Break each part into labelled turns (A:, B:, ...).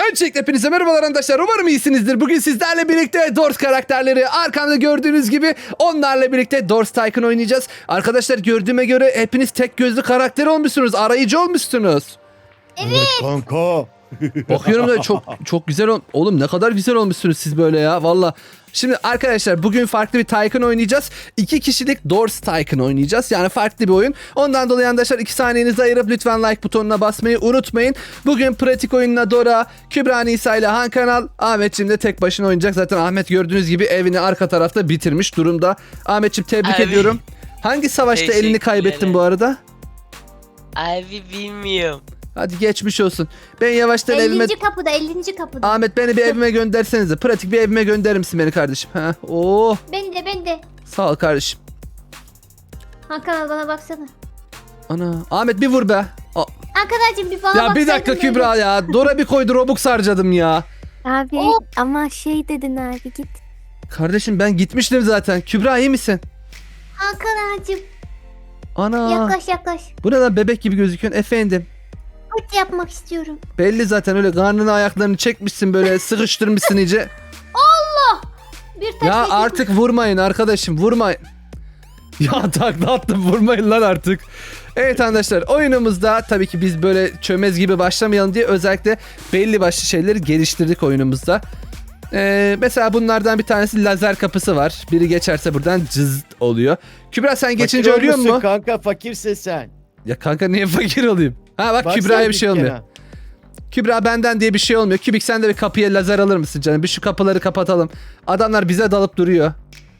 A: Öncelikle hepinize merhabalar arkadaşlar. Umarım iyisinizdir. Bugün sizlerle birlikte Doors karakterleri arkamda gördüğünüz gibi onlarla birlikte Doors Tycoon oynayacağız. Arkadaşlar gördüğüme göre hepiniz tek gözlü karakter olmuşsunuz. Arayıcı olmuşsunuz.
B: Evet kanka.
A: Bakıyorum da çok güzel oğlum ne kadar güzel olmuşsunuz siz böyle ya valla. Şimdi arkadaşlar bugün farklı bir Tycoon oynayacağız. 2 kişilik Doors Tycoon oynayacağız. Yani farklı bir oyun. Ondan dolayı arkadaşlar 2 saniyenizi ayırıp lütfen like butonuna basmayı unutmayın. Bugün pratik oyununa Dora, Kübra Nisa ile Han Kanal, Ahmetciğim de tek başına oynayacak. Zaten Ahmet gördüğünüz gibi evini arka tarafta bitirmiş durumda. Ahmetciğim tebrik ediyorum. Hangi savaşta elini kaybettin bu arada?
C: Abi bilmiyorum.
A: Hadi geçmiş olsun. Ben yavaştan
B: 50.
A: evime...
B: kapıda 50. kapıda.
A: Ahmet beni bir evime göndersenize. Pratik bir evime gönderir misin beni kardeşim? Ha? Oh.
B: Ben de.
A: Sağ ol kardeşim.
B: Hakan al bana baksana.
A: Ana. Ahmet bir vur be.
B: Hakan'cığım bir bana
A: Ya
B: baksaydın.
A: bir dakika
B: böyle.
A: Kübra ya. Dora bir koydu Robux harcadım ya.
D: Abi
B: Oh.
D: ama şey dedin abi git.
A: Kardeşim ben gitmiştim zaten. Kübra iyi misin?
B: Hakan'cığım
A: Ana.
B: yaklaş.
A: Bu ne lan bebek gibi gözüküyorsun efendim.
B: Kurt yapmak istiyorum.
A: Belli zaten öyle karnını ayaklarını çekmişsin böyle sıkıştırmışsın iyice.
B: Bir taş
A: Ya
B: yedim.
A: artık vurmayın arkadaşım vurmayın. Ya takla attım vurmayın lan artık. Evet arkadaşlar oyunumuzda tabii ki biz böyle çömez gibi başlamayalım diye özellikle belli başlı şeyleri geliştirdik oyunumuzda. Mesela bunlardan bir tanesi lazer kapısı var. Biri geçerse buradan cızt oluyor. Kübra sen geçince
E: Fakir
A: ölüyor
E: olmuşsun
A: mu?
E: kanka, fakirsin sen.
A: Ya kanka niye fakir olayım? Ha bak
E: Baksana
A: Kübra'ya bir şey
E: dükkana.
A: olmuyor. Kübra benden diye bir şey olmuyor. Kübik sen de bir kapıya lazer alır mısın canım? Bir şu kapıları kapatalım. Adamlar bize dalıp duruyor.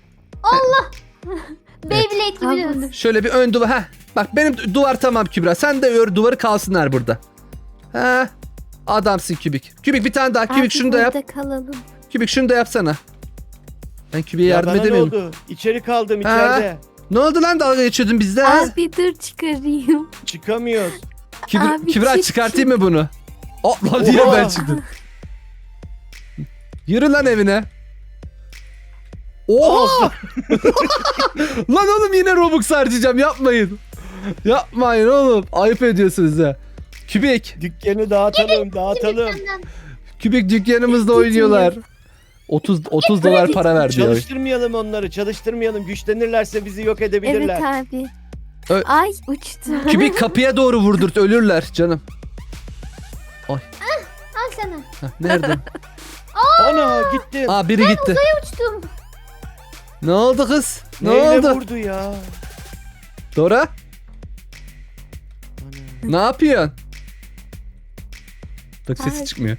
B: Beyblade gibi
D: Abi,
B: döndüm.
A: Şöyle bir ön duvar. Heh. Bak benim duvar tamam Kübra. Sen de ör duvarı kalsınlar burada. Ha. Adamsın Kübik. Kübik bir tane daha. Kübik
D: Abi
A: şunu da yap.
D: burada kalalım.
A: Kübik şunu da yapsana. Ben Kübik'e
E: Ya
A: yardım
E: bana ne
A: edemiyorum.
E: oldu? İçeri kaldım
A: Ha?
E: içeride.
A: Ne oldu lan dalga geçiyordun bizde? ha?
D: Abi dur çıkarayım.
E: Çıkamıyoruz.
D: Abi
A: Kübra
D: çık,
A: çıkartayım mı bunu? Lan diye
E: Oha.
A: ben çıktım. Yürü lan evine. Oha! Lan oğlum yine Robux harcayacağım yapmayın. Yapmayın oğlum. Ayıp ediyorsunuz ha. Kübik.
E: Dükkanı dağıtalım.
B: Senden.
A: Kübik dükkanımızda oynuyorlar. 30 dolar para verdi ya.
E: Çalıştırmayalım onları. Çalıştırmayalım. Güçlenirlerse bizi yok edebilirler.
D: Evet abi.
A: Ö-
D: Ay uçtu.
A: Kübik kapıya doğru vurdurt ölürler canım.
B: Al sana.
A: Heh, nerede?
E: Ana gittim.
A: Aa biri gitti.
B: Uçtum.
A: Ne oldu kız? Ne
E: Neyle
A: oldu?
E: vurdu ya?
A: Dora
E: Ana.
A: ne yapıyorsun? Bak sesi
D: Ay.
A: çıkmıyor.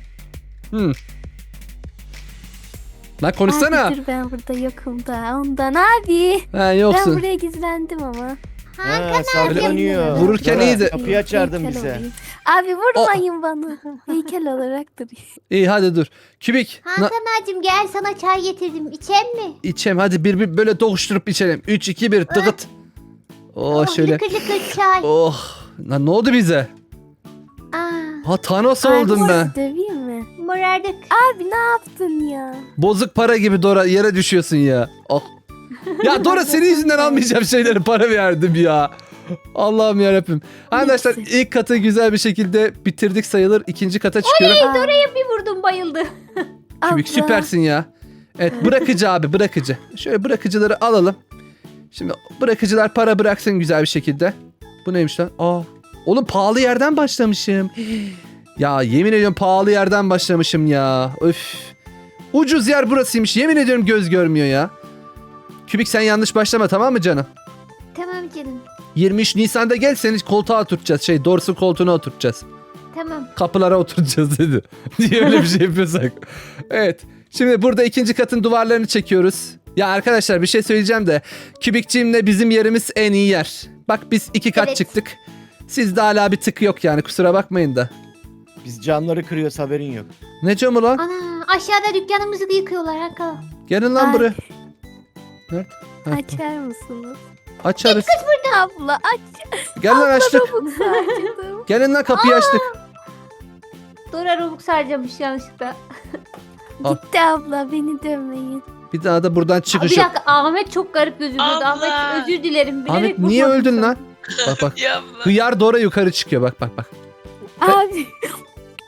A: Lan konuşsana.
D: Abi dur ben burada yokum da ondan abi.
A: Ha
D: Ben
A: yoksun.
D: buraya gizlendim ama.
E: Ha, saklanıyor.
A: Vururken
E: Dora,
A: iyiydi.
E: Kapıyı açardın
D: Heykel
E: bize.
D: olayım. Abi vurmayın bana. Heykel olarak duruyor.
A: İyi hadi dur. Kübik.
B: Hakan'cığım gel sana çay getirdim. İçer mi?
A: İçelim hadi bir böyle dokuşturup içelim. 3 2 1 tıkıt. Oh şöyle.
B: Lıkır lıkır çay.
A: Oh. Lan ne oldu bize?
B: Aa,
A: Ha Thanos
D: Abi
A: oldum ben.
D: sizi döveyim mi?
B: morardık.
D: Abi ne yaptın ya?
A: Bozuk para gibi Dora yere düşüyorsun ya. Oh. Ya Dora senin yüzünden almayacağım şeyleri para verdim ya. Allah'ım yarabbim. Arkadaşlar ilk katı güzel bir şekilde bitirdik sayılır. İkinci kata çıkıyorum.
D: Aa,
B: Bir vurdum bayıldı.
A: Kübik
D: abla.
A: süpersin ya. Evet bırakıcı abi bırakıcı. Şöyle bırakıcıları alalım. Şimdi bırakıcılar para bıraksın güzel bir şekilde. Bu neymiş lan? Aa, oğlum pahalı yerden başlamışım. Ya yemin ediyorum pahalı yerden başlamışım ya. Öf. Ucuz yer burasıymış. Yemin ediyorum göz görmüyor ya. Kübik sen yanlış başlama tamam mı canım?
B: Tamam canım.
A: 23 Nisan'da gel seni koltuğa oturtacağız. Dorsu koltuğuna oturtacağız.
B: Tamam.
A: Kapılara oturacağız dedi. Diye öyle bir şey yapıyorsak. Evet. Şimdi burada ikinci katın duvarlarını çekiyoruz. Ya arkadaşlar bir şey söyleyeceğim de. Kübikçiğimle bizim yerimiz en iyi yer. Bak biz 2 kat
B: Evet.
A: çıktık. Sizde hala bir tık yok yani kusura bakmayın da.
E: Biz camları kırıyoruz, haberin yok.
A: Ne camı lan?
B: Ana aşağıda dükkanımızı da yıkıyorlar Hakan.
A: Gelin lan
D: Ay.
A: buraya. Nerede? Ha,
D: Açar mısınız?
A: açarız.
D: Abla aç.
A: Gel lan açtık.
D: Robux harcadım.
A: Gelin lan kapıyı açtık.
B: Dora Robux harcamış yanlışlıkla.
A: Al.
D: Gitti abla beni dövmeyin.
A: Bir daha da buradan
B: Bir
A: çıkış yok.
B: dakika Ahmet çok garip gözüküyordu.
C: Abla.
B: Ahmet özür dilerim. Bilerek
A: Ahmet niye
B: vurmadım
A: öldün
B: sana.
A: lan? Bak bak.
C: Yapma.
A: Hıyar Dora yukarı çıkıyor bak bak bak.
D: Abi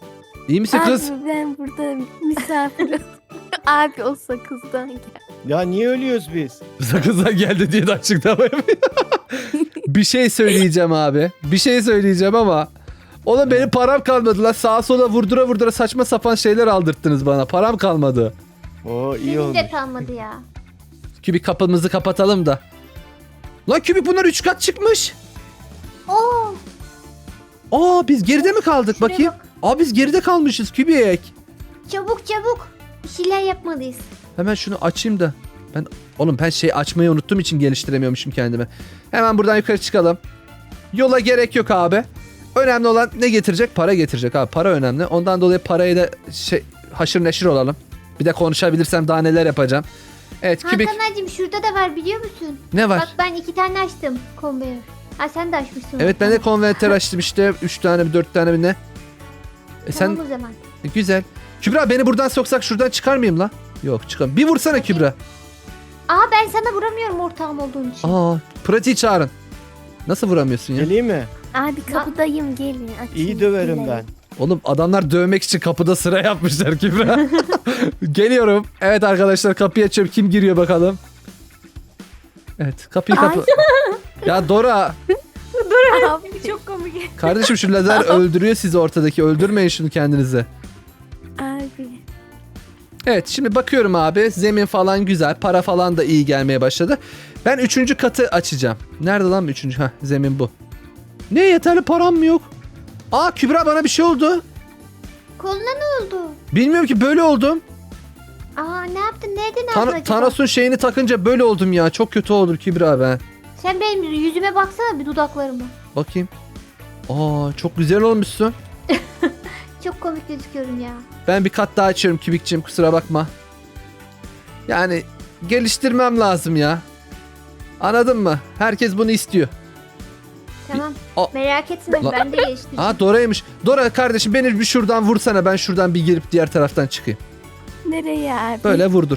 A: İyi misin kız?
D: Abi ben burada misafirim. Abi o sakızdan gel.
E: Ya niye ölüyoruz biz?
A: Sakızdan geldi diye de açıklama yapıyor. Bir şey söyleyeceğim abi. Bir şey söyleyeceğim ama oğlum benim param kalmadı lan. Sağa sola vurdura vurdura saçma sapan şeyler aldırttınız bana. Param kalmadı.
E: Oo iyi
B: Benim
E: olmuş.
B: de kalmadı ya.
A: Kübik kapımızı kapatalım da. Lan Kübik bunlar 3 kat çıkmış.
B: Oo.
A: Aa biz geride mi kaldık
B: Şuraya
A: bakayım?
B: bak.
A: Aa biz geride kalmışız Kübik.
B: Çabuk çabuk. Bir şeyler yapmalıyız.
A: Hemen şunu açayım da. Ben şey açmayı unuttuğum için geliştiremiyormuşum kendimi. Hemen buradan yukarı çıkalım. Yola gerek yok abi. Önemli olan ne getirecek? Para getirecek abi. Para önemli. Ondan dolayı parayı da haşır neşir olalım. Bir de konuşabilirsem daha neler yapacağım. Evet Kübik.
B: Hakan'cığım şurada da var biliyor musun?
A: Ne var?
B: Bak ben 2 tane açtım konveyör. Ha sen de açmışsın.
A: Evet ben de konverter açtım işte. 3 tane mi 4 tane mi ne?
B: Tamam
A: Sen
B: o zaman.
A: güzel. Kübra beni buradan soksak şuradan çıkar mıyım la? Yok çıkam. Bir vursana Kübra.
B: Aa ben sana vuramıyorum ortağım olduğun için.
A: Aa pratiği çağırın. Nasıl vuramıyorsun ya?
E: Geleyim mi?
D: Abi kapıdayım gelin. Açın.
E: İyi döverim
D: Gelin.
E: ben.
A: Oğlum adamlar dövmek için kapıda sıra yapmışlar Kübra. Geliyorum. Evet arkadaşlar kapıyı açıyorum. Kim giriyor bakalım. Evet kapıyı kapı. Ya Dora.
D: Abi çok komik.
A: Kardeşim şu lazer öldürüyor sizi ortadaki. Öldürmeyin şunu kendinize.
D: Abi.
A: Evet şimdi bakıyorum abi. Zemin falan güzel. Para falan da iyi gelmeye başladı. Ben 3. katı açacağım. Nerede lan 3. Heh zemin bu. Ne yeterli param mı yok? Aa Kübra bana bir şey oldu.
B: Koluna ne oldu?
A: Bilmiyorum ki böyle oldum.
B: Aa ne yaptın? Nereden aldın acaba?
A: Thanos'un şeyini takınca böyle oldum ya. Çok kötü oldum Kübra ben.
B: Sen benim yüzüme baksana bir dudaklarıma.
A: Bakayım. Aa çok güzel olmuşsun.
B: Çok komik gözüküyorum ya.
A: Ben bir kat daha açıyorum Kübikçim kusura bakma. Yani geliştirmem lazım ya. Anladın mı? Herkes bunu istiyor.
B: Tamam.
A: Aa.
B: Merak etme
A: La-
B: ben de geliştireceğim.
A: Aa Dora'ymış. Dora kardeşim beni bir şuradan vursana. Ben şuradan bir girip diğer taraftan çıkayım.
D: Nereye abi?
A: Böyle vurdur.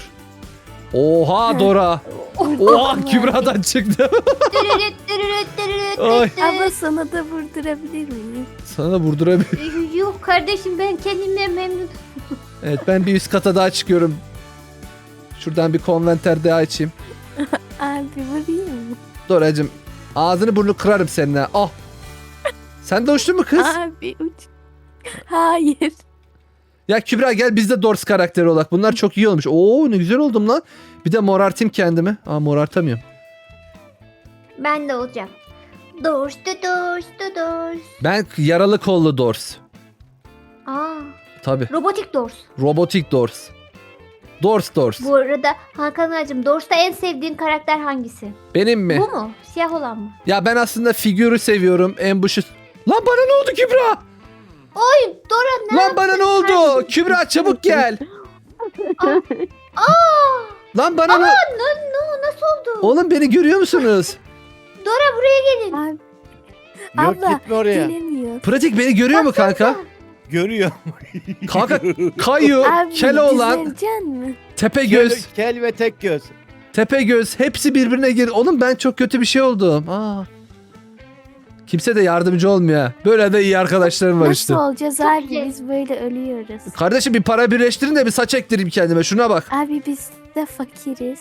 A: Oha Dora. Oha Kübra'dan çıktı.
B: Dırırıt, dırırıt, dırırıt,
A: Ay.
B: dırırıt.
D: Abla sana da vurdurabilir miyim?
A: Sana vurdurabilirim.
B: Yok kardeşim ben kendimle memnun.
A: Evet ben bir üst kata daha çıkıyorum. Şuradan bir konventer daha açayım.
D: Abi vurayım mı?
A: Doracığım ağzını burnunu kırarım seninle. Ah. Sen de uçtun mu kız?
D: Abi uç. Hayır.
A: Ya Kübra gel biz de Dors karakteri olarak. Bunlar çok iyi olmuş. Oo ne güzel oldum lan. Bir de morartayım kendimi. Aa morartamıyorum.
B: Ben de olacağım. Dors da dors da dors.
A: Ben yaralı kollu Dors.
B: Aa
A: Tabi.
B: robotik dors.
A: Robotik Dors. Dors.
B: Bu arada Hakan ağacım Dors'ta en sevdiğin karakter hangisi?
A: Benim mi?
B: Bu mu? Siyah olan mı?
A: Ya ben aslında figürü seviyorum. Ambushu. Lan bana ne oldu Kübra?
B: Oy Dora ne
A: Lan bana ne oldu? Kübra çabuk gel.
B: Aa
A: Lan bana ne?
B: nasıl oldu?
A: Oğlum beni görüyor musunuz?
B: Dora buraya gelin.
D: Abi
E: Yok
D: Abla,
E: gitme oraya.
D: gelemiyor.
A: Pratik beni görüyor mu kanka?
E: Görüyor.
A: Kanka kayıyor,
D: Abi
A: Keloğlan,
D: düzeleceksin mi?
A: Tepegöz,
E: Kel ve tek göz.
A: Tepegöz hepsi birbirine gir. Oğlum ben çok kötü bir şey oldum. Aa. Kimse de yardımcı olmuyor. ha. Böyle de iyi arkadaşlarım var
D: Nasıl
A: işte.
D: olacağız
B: Çok
D: abi?
B: iyi.
D: Biz böyle ölüyoruz.
A: Kardeşim bir para birleştirin de bir saç ektireyim kendime. Şuna bak.
D: Abi biz de fakiriz.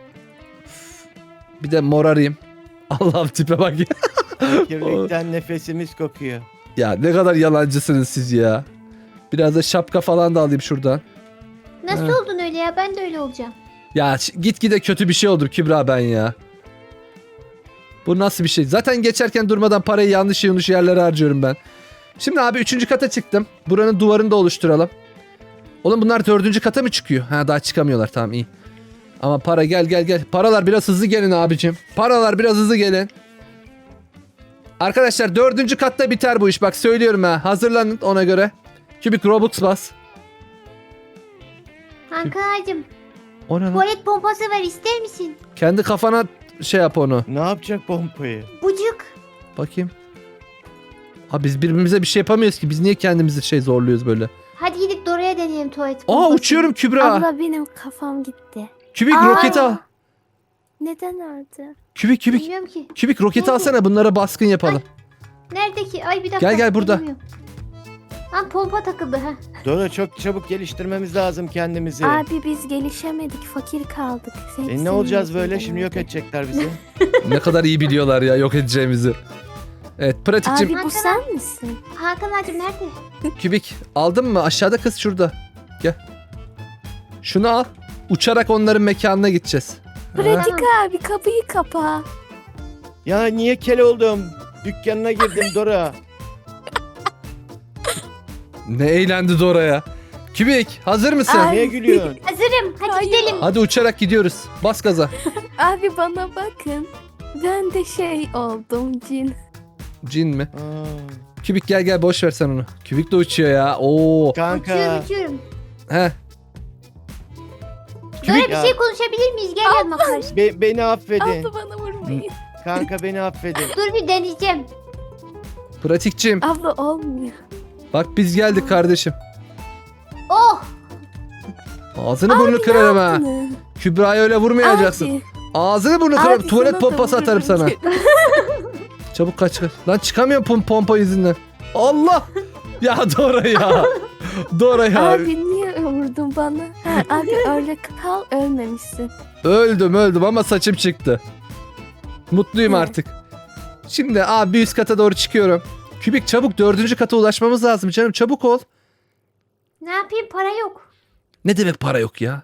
A: Bir de morarayım. Allah'ım tipe bak ya.
E: Kirlikten nefesimiz kokuyor.
A: Ya ne kadar yalancısınız siz ya. Biraz da şapka falan da alayım şuradan.
B: Nasıl
A: Ha.
B: oldun öyle ya? Ben de öyle olacağım.
A: Ya gitgide kötü bir şey oldum Kübra ben ya. Bu nasıl bir şey? Zaten geçerken durmadan parayı yanlış yerlere harcıyorum ben. Şimdi abi 3. kata çıktım. Buranın duvarını da oluşturalım. Oğlum bunlar 4. kata mı çıkıyor? Ha daha çıkamıyorlar tamam iyi. Ama para gel. Paralar biraz hızlı gelin abicim. Paralar biraz hızlı gelin. Arkadaşlar 4. katta biter bu iş. Bak söylüyorum ha. Hazırlanın ona göre. Kübik Robux bas.
B: Hakan ağacım
A: O ne lan?
B: tuvalet pompası var ister misin?
A: Kendi kafana şey yap onu.
E: Ne yapacak pompayı?
B: Bucuk.
A: Bakayım. Abi biz birbirimize bir şey yapamıyoruz ki. Biz niye kendimizi şey zorluyoruz böyle?
B: Hadi gidip Dora'ya deneyelim tuvalet pompası.
A: Aa uçuyorum Kübra.
D: Abla benim kafam gitti.
A: Kübik
B: Aa.
A: roketi al.
D: Neden orada?
A: Kübik.
B: Bilmiyorum ki.
A: Kübik roketi
B: Nerede?
A: alsana bunlara baskın yapalım.
B: Nerede ki? Ay bir dakika.
A: Gel burada.
B: bilmiyorum. Ha pompa takıldı ha.
E: Dora çok çabuk geliştirmemiz lazım kendimizi.
D: Abi biz gelişemedik. Fakir kaldık.
E: Ne olacağız böyle? Şimdi yok edecekler bizi.
A: Ne kadar iyi biliyorlar ya yok edeceğimizi. Evet pratikçim.
D: Abi bu sen misin?
B: Hakan ağacım nerede?
A: Kübik aldın mı? Aşağıda kız şurada. Gel. Şunu al. Uçarak onların mekanına gideceğiz. Ha?
D: Pratik abi kapıyı kapa.
E: Ya niye kel oldum? Dükkanına girdim Dora.
A: Ne eğlendi Dora ya. Kübik hazır mısın?
D: Ay.
E: Niye gülüyorsun?
B: Hazırım. Hadi
D: Hayır.
B: gidelim.
A: Hadi uçarak gidiyoruz. Bas gaza.
D: Abi bana bakın. Ben de şey oldum cin.
A: Cin mi?
E: Aa,
A: Kübik gel gel boş ver sen onu. Kübik de uçuyor ya. Oo.
E: kanka.
B: Uçuyorum uçuyorum.
A: He.
B: Dora
E: Ya.
B: bir şey konuşabilir miyiz? Gel yanıma karşı.
E: Beni affedin.
D: Abla bana vurmayın.
E: Kanka beni affedin.
B: Dur bir deneyeceğim.
A: Pratikçim.
D: Abla olmuyor.
A: Bak biz geldik kardeşim.
B: Oh!
A: Ağzını burnunu kırarım ha.
D: Ne?
A: Kübra'ya öyle vurmayacaksın.
D: Abi,
A: Ağzını burnunu kırarım.
D: abi
A: Tuvalet
D: sana da
A: pompası atarım sana.
D: vururum.
A: Çabuk kaç kaç. Lan çıkamıyorum pompa yüzünden. Allah. Ya Dora ya. Dora ya.
D: Abi niye vurdun bana? Ha, abi öyle kal ölmemişsin.
A: Öldüm ama saçım çıktı. Mutluyum
D: Hı.
A: artık. Şimdi abi bir üst kata doğru çıkıyorum. Kübik çabuk 4. kata ulaşmamız lazım canım. Çabuk ol.
B: Ne yapayım para yok.
A: Ne demek para yok ya?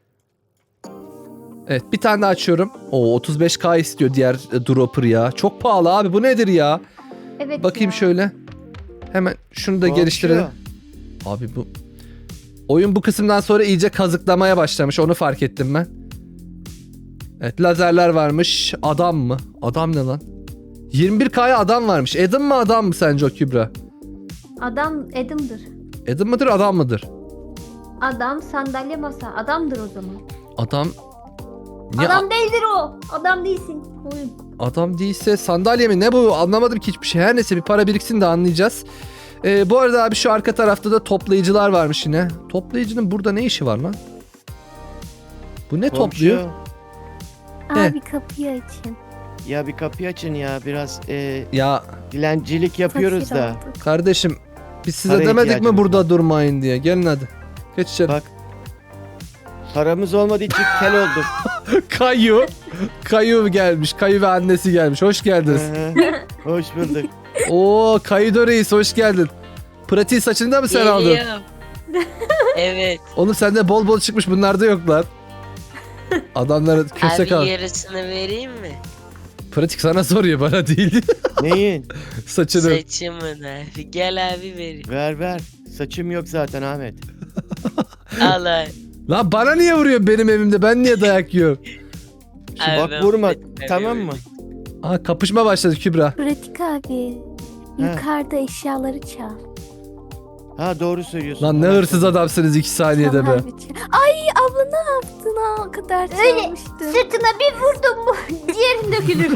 A: Evet bir tane daha açıyorum. O 35K istiyor diğer dropper ya. Çok pahalı abi bu nedir ya?
B: Evet
A: Bakayım
B: ya.
A: şöyle. Hemen şunu da
E: Komşu.
A: geliştirelim. Abi bu oyun bu kısımdan sonra iyice kazıklamaya başlamış. Onu fark ettim ben. Evet lazerler varmış. Adam mı? Adam ne lan? 21K'ya adam varmış. Adam mı adam mı sence o Kübra?
B: Adam Adam'dır.
A: Adam mıdır adam mıdır?
B: Adam sandalye masa. Adamdır o zaman.
A: Adam... Niye
B: Adam değildir o. Adam değilsin. Oyun.
A: adam değilse sandalye mi? Ne bu? Anlamadım ki hiçbir şey. Her neyse bir para biriksin de anlayacağız. Bu arada abi şu arka tarafta da toplayıcılar varmış yine. Toplayıcının burada ne işi var lan? Bu ne
E: Komşu.
A: topluyor? He.
D: Abi kapıyı açın.
E: Ya bir kapıyı açın ya. Biraz
A: Ya
E: dilencilik yapıyoruz
D: Fakir
E: da.
D: olduk.
A: kardeşim biz size
E: Para
A: demedik mi
E: ihtiyacımız
A: burada
E: var.
A: durmayın diye. Gelin hadi. Geç içeri.
E: Bak. Paramız olmadığı için kel oldum.
A: Kayu. Kayu gelmiş. Kayu ve annesi gelmiş. Hoş geldiniz.
E: Hı hı. Hoş bulduk.
A: Oo Kaydo Reis hoş geldin. Pratiği saçında mı sen aldın?
C: Geliyorum. Evet.
A: Oğlum sende bol bol çıkmış bunlarda yok lan. Adamlara köse
C: Abi
A: kal.
C: yarısını vereyim mi?
A: Pratik sana soruyor bana değil.
E: Neyin?
A: Saçını.
C: Saçımın abi. Gel abi vereyim.
E: Ver ver. Saçım yok zaten Ahmet.
C: Al abi.
A: Lan bana niye vuruyorsun benim evimde? Ben niye dayak yiyorum?
C: Abi
E: Bak
C: ben
E: vurma.
C: affetmem
E: Tamam
C: öyle.
E: mı?
A: Aa kapışma başladı Kübra.
D: Pratik abi. Yukarıda eşyaları çal.
E: Ha doğru söylüyorsun.
A: Lan ne
E: Tamam,
A: hırsız
E: tamam.
A: adamsınız 2 saniyede
D: Çal
A: be.
D: abi, çal. Ay abla ne yaptın ha? O kadar
B: Öyle.
D: çalmıştın.
B: Sırtına bir vurdum mu diğerin dökülür.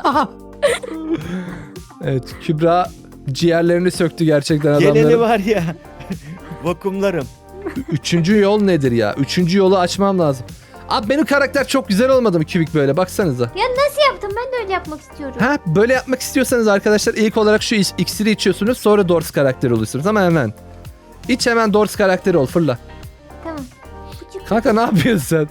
A: Evet Kübra ciğerlerini söktü gerçekten
E: Geleni
A: adamların.
E: var ya. Vakumlarım.
A: Üçüncü yol nedir ya? Üçüncü yolu açmam lazım. Abi benim karakter çok güzel olmadı mı Kübik böyle? Baksanıza.
B: Nasıl yaptım? Ben de öyle yapmak istiyorum.
A: Ha böyle yapmak istiyorsanız arkadaşlar ilk olarak şu iksiri içiyorsunuz sonra Dors karakteri oluyorsunuz ama hemen. İç hemen Dors karakteri ol fırla.
B: Tamam. Küçük.
A: Kanka ne yapıyorsun sen?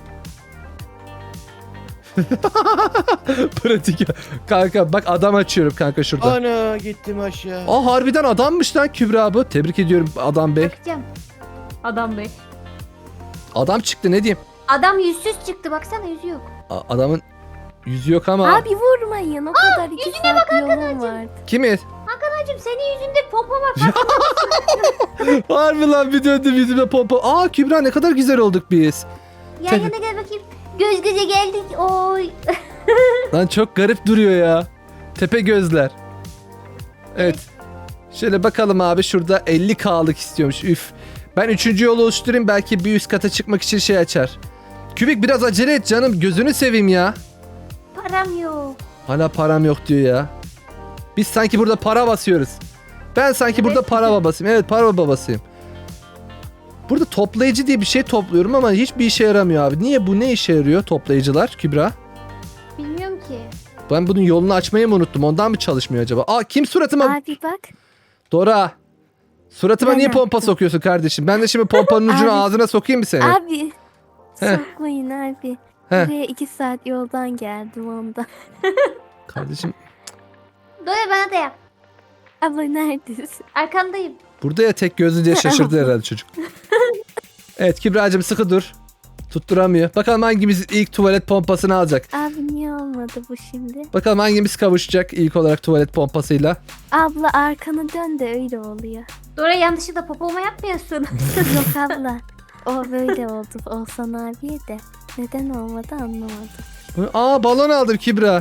A: Pratik. Kanka bak adam açıyorum kanka şurada.
E: Ana gittim aşağı.
A: Aa harbiden adammış lan Kübra bu. Tebrik ediyorum adam bey.
B: Bakacağım. Adam bey.
A: Adam çıktı ne diyeyim.
B: Adam yüzsüz çıktı. Baksana yüzü yok.
A: Adamın yüzü yok ama.
D: Abi vurmayın. O kadar 2 saat yolum vardı.
A: Kimi?
B: Hakan'cığım senin yüzünde pompa var. Bak.
A: Harbi lan bir döndüm yüzüme pompa. Aa Kübra ne kadar güzel olduk biz.
B: Yan yana gel bakayım. Göz göze geldik. Oy.
A: Lan çok garip duruyor ya. Tepe gözler. Evet. Şöyle bakalım abi şurada 50K'lık istiyormuş. Üf. Ben 3. yolu oluşturayım belki bir üst kata çıkmak için şey açar. Kübik biraz acele et canım gözünü seveyim ya.
B: Param yok.
A: Hala param yok diyor ya. Biz sanki burada para basıyoruz. Ben sanki
B: Evet.
A: burada para babasıyım. Evet para babasıyım. Burada toplayıcı diye bir şey topluyorum ama hiçbir işe yaramıyor abi. Niye bu ne işe yarıyor toplayıcılar Kübra?
B: Bilmiyorum ki.
A: Ben bunun yolunu açmayı mı unuttum? Ondan mı çalışmıyor acaba? Aa kim suratıma?
D: Abi bak.
A: Dora. Suratıma
D: Ben
A: niye pompa
D: yaptım.
A: sokuyorsun kardeşim? Ben de şimdi pompanın ucunu
D: Abi.
A: ağzına sokayım mı seni?
D: Abi.
A: Heh.
D: Sokmayın abi.
A: Heh.
D: Buraya 2 saat yoldan geldim onda.
A: Kardeşim
B: Dora bana da yap.
D: Abla neredesin?
B: Arkandayım.
A: burada ya tek gözlü diye şaşırdı herhalde çocuk. Evet Kübra'cığım sıkı dur. Tutturamıyor. Bakalım hangimiz ilk tuvalet pompasını alacak.
D: Abi niye olmadı bu şimdi?
A: Bakalım hangimiz kavuşacak ilk olarak tuvalet pompasıyla.
D: Abla arkanı dön de öyle oluyor.
B: Dora yanlışlıkla popoma yapmıyorsun.
D: Yok abla. O böyle oldu. Olsan abiye de. Neden olmadı anlamadım.
A: Aa balon aldım Kübra.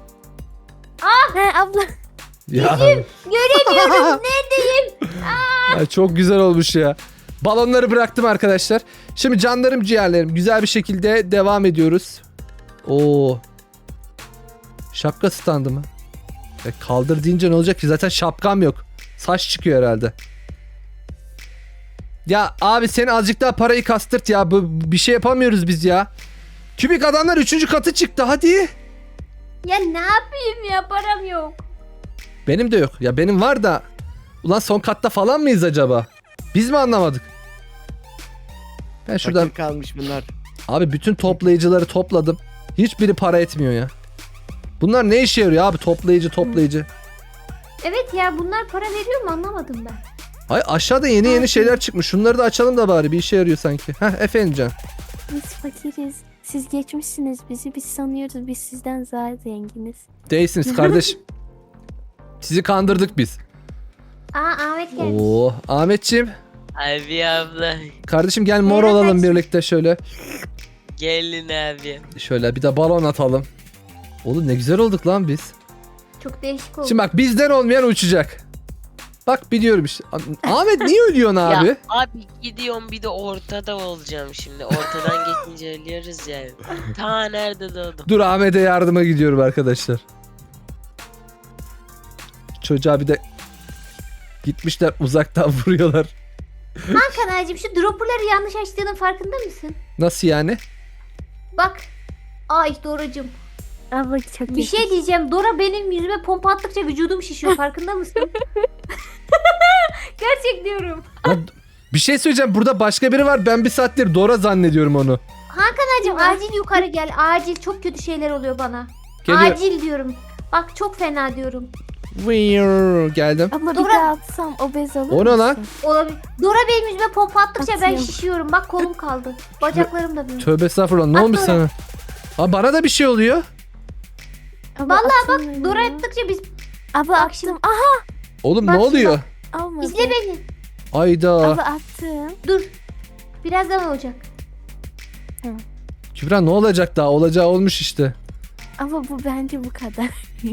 D: He abla.
A: Ya.
B: Göremiyorum. Neredeyim?
A: Ay, çok güzel olmuş ya. Balonları bıraktım arkadaşlar. Şimdi canlarım ciğerlerim güzel bir şekilde devam ediyoruz. Oo. Şapka standı mı? Ya kaldır deyince ne olacak ki? Zaten şapkam yok. Saç çıkıyor herhalde. Ya abi sen azıcık daha parayı kastırt ya. Bir şey yapamıyoruz biz ya. Kübik adamlar 3. katı çıktı hadi.
B: Ya ne yapayım ya, param yok.
A: Benim de yok. Ya benim var da. Ulan son katta falan mıyız acaba? Biz mi anlamadık? Ben şuradan...
E: Fakir kalmış bunlar.
A: Abi bütün toplayıcıları topladım. Hiçbiri para etmiyor ya. Bunlar ne işe yarıyor abi toplayıcı.
B: Evet ya, bunlar para veriyor mu anlamadım ben.
A: Ay aşağıda yeni şeyler çıkmış. Şunları da açalım da bari bir işe yarıyor sanki. Heh efendim can.
D: Biz fakiriz. Siz geçmişsiniz bizi. Biz sanıyoruz biz sizden daha zenginiz.
A: Değilsiniz kardeş. Sizi kandırdık biz.
B: Aa, Ahmet gelmiş.
A: Oo Ahmetciğim.
C: Abi abla.
A: Kardeşim gel mor
B: Merhaba.
A: olalım birlikte şöyle.
C: Gelin abi.
A: Şöyle bir de balon atalım. Oğlum ne güzel olduk lan biz.
B: Çok değişik oldu.
A: Şimdi bak bizden olmayan uçacak. Bak biliyorum işte. Ahmet niye ölüyorsun abi?
C: Ya abi gidiyorum bir de ortada olacağım şimdi. Ortadan geçince ölüyoruz yani. Ta nerede doğdum.
A: Dur Ahmet'e yardıma gidiyorum arkadaşlar. Çocuğa bir de gitmişler uzaktan vuruyorlar.
B: Hakan ağacım, şu dropperları yanlış açtığının farkında mısın?
A: Nasıl yani?
B: Bak. Ay Doracığım.
D: Abla çok
B: Bir şey diyeceğim. Dora benim yüzüme pompa attıkça vücudum şişiyor. Farkında mısın? Gerçek diyorum.
A: Lan, bir şey söyleyeceğim. Burada başka biri var. Ben bir saattir Dora zannediyorum onu.
B: Hakan'cığım acil yukarı gel. Acil, çok kötü şeyler oluyor bana.
A: Geliyor.
B: Acil diyorum. Bak çok fena diyorum.
A: Geldim.
D: Abla bir
B: Dora-
D: daha atsam obez olur
A: O ne lan?
D: musun?
B: Olabilir. Dora benim yüzüme pompa attıkça ben
D: Atıyorum.
B: şişiyorum. Bak kolum kaldı. Bacaklarım da böyle.
A: Tövbe estağfurullah. Ne
B: At
A: olmuş
B: Dora.
A: sana? Aa, bana da bir şey oluyor.
D: Abla
B: Vallahi bak,
D: atın
B: Dora
D: beni.
B: attıkça biz...
D: Abla
B: Bak
D: attım.
B: şimdi.
A: Oğlum
B: Bak
A: ne
B: şimdi
A: oluyor?
D: Almadı.
B: İzle beni.
A: Ayda.
D: Abla attım.
B: Dur. Birazdan olacak.
A: Kübra ne olacak daha? Olacağı olmuş işte.
D: Ama bu bence bu kadar.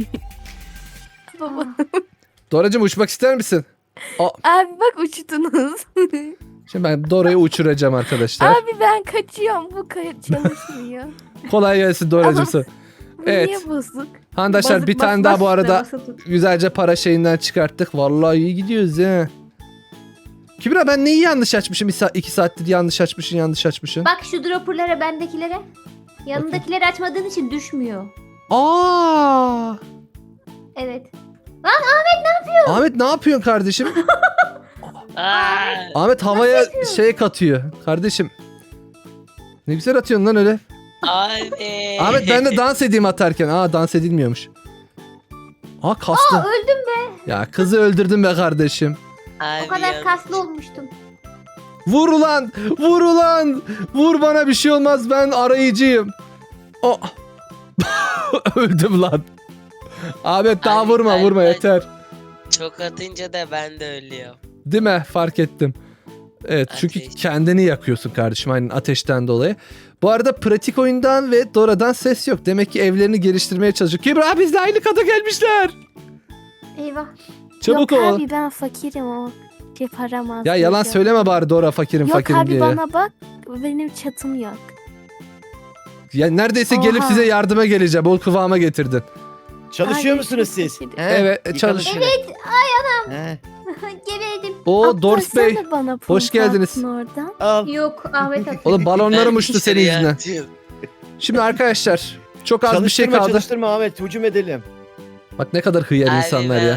D: Baba.
A: Doracığım uçmak ister misin?
D: Abi bak uçtunuz.
A: Şimdi ben Dora'yı uçuracağım arkadaşlar.
D: Abi ben kaçıyorum. Bu çalışmıyor.
A: Kolay gelsin Doracığım
D: Ama-
A: sana.
D: Bu
A: Evet.
D: niye bozuk?
A: Arkadaşlar
B: Basıp
A: bir tane
B: bas,
A: daha bu
B: bas,
A: arada
B: basa tut.
A: güzelce para şeyinden çıkarttık. Vallahi iyi gidiyoruz ya. Kübra ben neyi yanlış açmışım? 2 saattir yanlış açmışım.
B: Bak şu dropperlara, bendekilere. Yanındakileri açmadığın için düşmüyor.
A: Aa!
B: Evet.
A: Ahmet ne yapıyorsun kardeşim?
C: Aa,
A: Ahmet havaya şey katıyor. Kardeşim. Ne güzel atıyorsun lan öyle.
C: abi.
A: Ahmet ben de dans edeyim atarken. Aa dans edilmiyormuş. Aa kastı.
B: Öldüm be.
A: Ya kızı öldürdün be kardeşim.
C: Abi
B: O kadar
C: yanlış.
B: kaslı olmuştum.
A: Vur ulan! Vur ulan! Vur bana bir şey olmaz ben arayıcıyım. Oh. Öldüm lan. Ahmet daha
C: Abi,
A: vurma
C: ben-
A: yeter.
C: Çok atınca da ben de ölüyorum.
A: Değil mi? Fark ettim. Evet çünkü
C: Ateş.
A: kendini yakıyorsun kardeşim aynen ateşten dolayı. Bu arada pratik oyundan ve Dora'dan ses yok. Demek ki evlerini geliştirmeye çalışıyor. Kübra bizle aynı kata gelmişler.
B: Eyvah.
A: Çabuk
D: Yok
A: ol.
D: abi ben fakirim o. Şey param az.
A: Ya yalan
D: diyor.
A: söyleme bari Dora fakirim
D: Yok
A: fakirim
D: abi
A: diye.
D: bana bak. Benim çatım yok.
A: Ya neredeyse gelip
D: Oha.
A: size yardıma geleceğim. O kıvama getirdin.
E: Çalışıyor
D: Abi,
E: musunuz
D: çok
E: siz?
D: fakirim.
E: He?
A: Evet,
E: Yıkanın
A: çalış.
E: şöyle.
B: Evet.
E: He.
B: Geberdim.
A: O Dors Bey.
D: Atlasana bana
A: hoş
D: pompa
A: geldiniz.
D: attın Oradan.
E: Al.
B: Yok, Ahmet attı.
A: Oğlum balonlarım
C: Ben
A: uçtu senin
C: dışarıya
A: yüzünden.
C: atıyorum.
A: Şimdi arkadaşlar çok az bir şey kaldı.
E: Çalıştırma Ahmet, hücum edelim.
A: Bak ne kadar hıyar
C: Abi
A: insanlar ya.
C: ben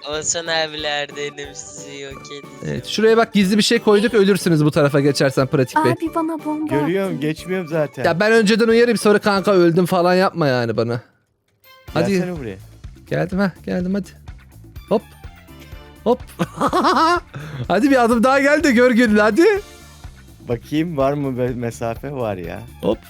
C: Oğuzhan abiler de elim sizi yok edeceğim.
A: Evet, şuraya bak gizli bir şey koyduk, ölürsünüz bu tarafa geçersen Pratik Bey.
D: Abi bana bomba
E: Görüyorum
D: attı.
E: geçmiyorum zaten.
A: Ya ben önceden uyarayım, sonra kanka öldüm falan yapma yani bana. Hadi.
E: Gelsene buraya.
A: Geldim hadi. Hop. Hop. Hadi bir adım daha gel de gör gününü hadi.
E: Bakayım var mı mesafe var ya.
A: Hop.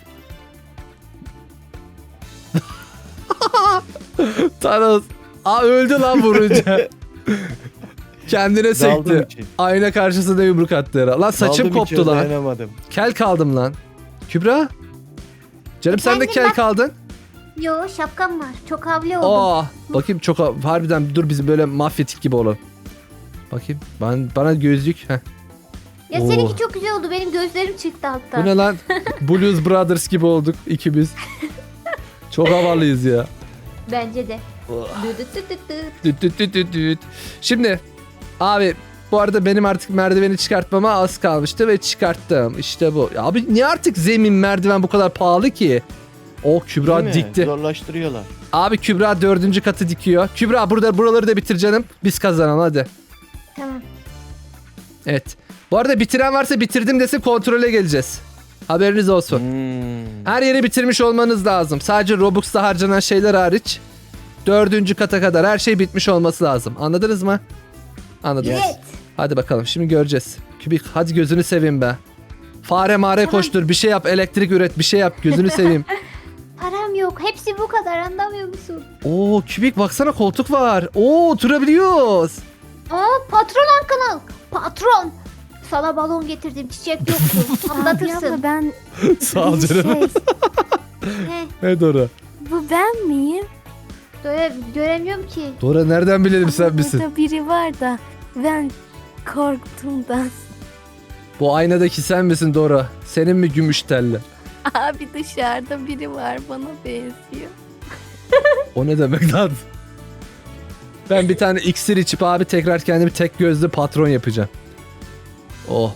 A: Thanos. Aa öldü lan vurunca. Kendine
E: Daldım
A: sekti.
E: için.
A: Ayna karşısında yumruk attı herhalde. Lan saçım
E: Daldım
A: koptu
E: içeri,
A: lan.
E: dayanamadım.
A: Kel kaldım lan. Kübra. Canım sen de
B: Efendim,
A: kel
B: ben-
A: kaldın.
B: Yo şapkam var. Çok havli oldum.
A: Bakayım çok harbiden dur bizim böyle mafyatik gibi olalım. Bakayım bana gözlük. Heh.
B: Ya
A: Oo.
B: seninki çok güzel oldu. Benim gözlerim çıktı hatta.
A: Bu ne lan? Blues Brothers gibi olduk ikimiz. Çok havalıyız ya.
B: Bence de.
A: Oh.
B: Dı dı dı dı dı.
A: Düt düt düt düt düt. Şimdi abi bu arada benim artık merdiveni çıkartmama az kalmıştı ve çıkarttım. İşte bu. Ya abi niye artık zemin merdiven bu kadar pahalı ki? O Kübra
E: Değil mi?
A: dikti.
E: Zorlaştırıyorlar.
A: Abi Kübra 4. katı dikiyor. Kübra buraları da bitir canım. Biz kazanalım hadi.
B: Tamam.
A: Evet. Bu arada bitiren varsa bitirdim desin, kontrole geleceğiz. Haberiniz olsun. Her yeri bitirmiş olmanız lazım. Sadece Robux'ta harcanan şeyler hariç 4. kata kadar her şey bitmiş olması lazım. Anladınız mı? Anladınız.
E: Yes.
B: Evet.
A: Hadi bakalım şimdi göreceğiz. Kübik hadi gözünü seveyim be. Fare mare
B: Tamam.
A: koştur, bir şey yap, elektrik üret, bir şey yap, gözünü seveyim.
B: Param yok. Hepsi bu kadar. Anlamıyor musun?
A: Oo Kübik baksana koltuk var. Oo oturabiliyoruz.
B: Aa patron Hakan. Patron. Sana balon getirdim. Çiçek yoktu.
D: Abi abla
B: Anlatırsın.
D: ben
A: Sağ ol
D: bir
A: canım.
B: He,
A: Ne Dora?
D: bu ben miyim?
B: göremiyorum ki.
A: Dora nereden bilelim sen
D: Ama
A: misin?
D: Burada biri var da ben korktuğumdan.
A: Bu aynadaki sen misin Dora? Senin mi gümüş telli?
D: Abi dışarıda biri var bana benziyor.
A: O ne demek lan? Ben bir tane iksir içip abi tekrar kendimi tek gözlü patron yapacağım. Oh.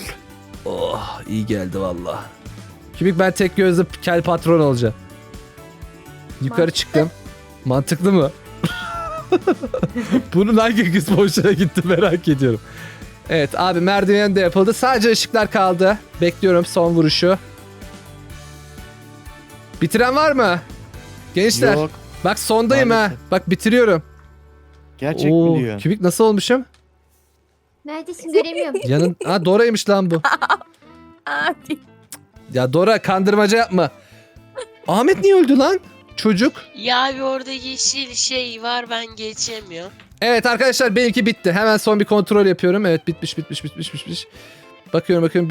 A: Oh iyi geldi valla. Kübik ben tek gözlü kel patron olacağım. Yukarı
B: Mantıklı.
A: çıktım. Mantıklı mı? Bunun hangi kısmı hoşuna gitti merak ediyorum. Evet abi merdiven de yapıldı. Sadece ışıklar kaldı. Bekliyorum son vuruşu. Bitiren var mı? Gençler.
E: Yok.
A: Bak sondayım ha.
E: Maalesef.
A: Bak bitiriyorum.
E: Gerçek
A: Oo,
E: mi diyor?
A: Kübik nasıl olmuşum?
B: Neredesin göremiyorum.
A: Yanın... Ha Dora'ymış lan bu.
D: Abi
A: Ya Dora kandırmaca yapma. Ahmet niye öldü lan? Çocuk.
C: Ya abi orada yeşil şey var ben geçemiyorum.
A: Evet arkadaşlar benimki bitti. Hemen son bir kontrol yapıyorum. Evet bitmiş. Bakıyorum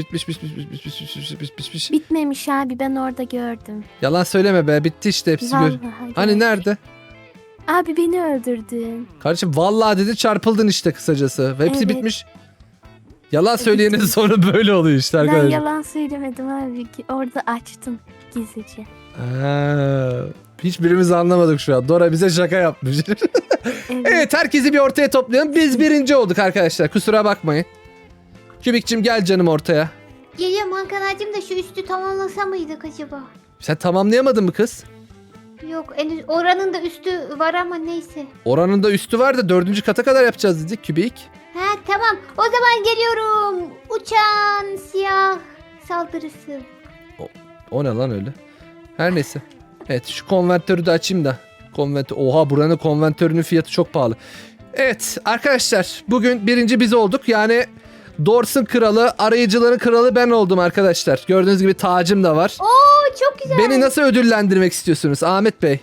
A: bitmiş.
D: bitmemiş abi ben orada gördüm.
A: Yalan söyleme be bitti işte hepsi.
D: Vallahi
A: Hani
D: gördüm.
A: nerede?
D: Abi beni öldürdün.
A: Kardeşim vallahi dedi çarpıldın işte kısacası. Hepsi
D: Evet.
A: bitmiş. Yalan söyleyenin sonu böyle oluyor işte
D: Ben
A: arkadaşlar.
D: yalan söylemedim abi. Orada açtım gizlice.
A: Ha, hiçbirimiz anlamadık şu an. Dora bize şaka yapmış.
D: Evet.
A: Evet herkesi bir ortaya toplayalım. Biz birinci olduk arkadaşlar. Kusura bakmayın. Kübikçim gel canım ortaya.
B: Geliyorum Hakan'cığım da şu üstü tamamlasa mıydık acaba?
A: Sen tamamlayamadın mı kız?
B: Yok oranın da üstü var ama neyse.
A: Oranın da üstü var da 4. kata kadar yapacağız dedik Kübik.
B: Ha tamam o zaman geliyorum. Uçan siyah saldırısı.
A: O ne lan öyle? Her neyse. Evet şu konvertörü de açayım da. Oha buranın konvertörünün fiyatı çok pahalı. Evet arkadaşlar bugün birinci biz olduk. Yani Dors'un kralı, arayıcıların kralı ben oldum arkadaşlar. Gördüğünüz gibi tacım da var.
B: Oo çok güzel.
A: Beni nasıl ödüllendirmek istiyorsunuz Ahmet Bey?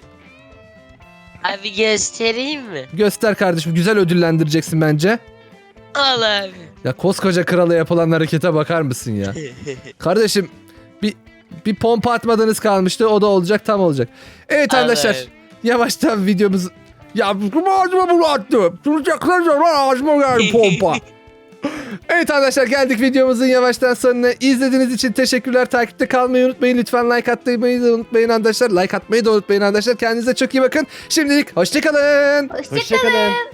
C: Abi göstereyim mi?
A: Göster kardeşim, güzel ödüllendireceksin bence.
C: Al abi.
A: Ya koskoca krala yapılan harekete bakar mısın ya? Kardeşim bir pompa atmadığınız kalmıştı, o da olacak, tam olacak. Evet
C: Al
A: arkadaşlar
C: abi.
A: yavaştan videomuz... Ya ağzıma bunu attım. Duracaklar zaman ağzıma geldi pompa. Evet arkadaşlar geldik videomuzun yavaştan sonuna. İzlediğiniz için teşekkürler. Takipte kalmayı unutmayın. Lütfen like atmayı da unutmayın arkadaşlar. Like atmayı da unutmayın arkadaşlar. Kendinize çok iyi bakın. Şimdilik hoşçakalın.
B: Hoşçakalın.
E: Hoşçakalın.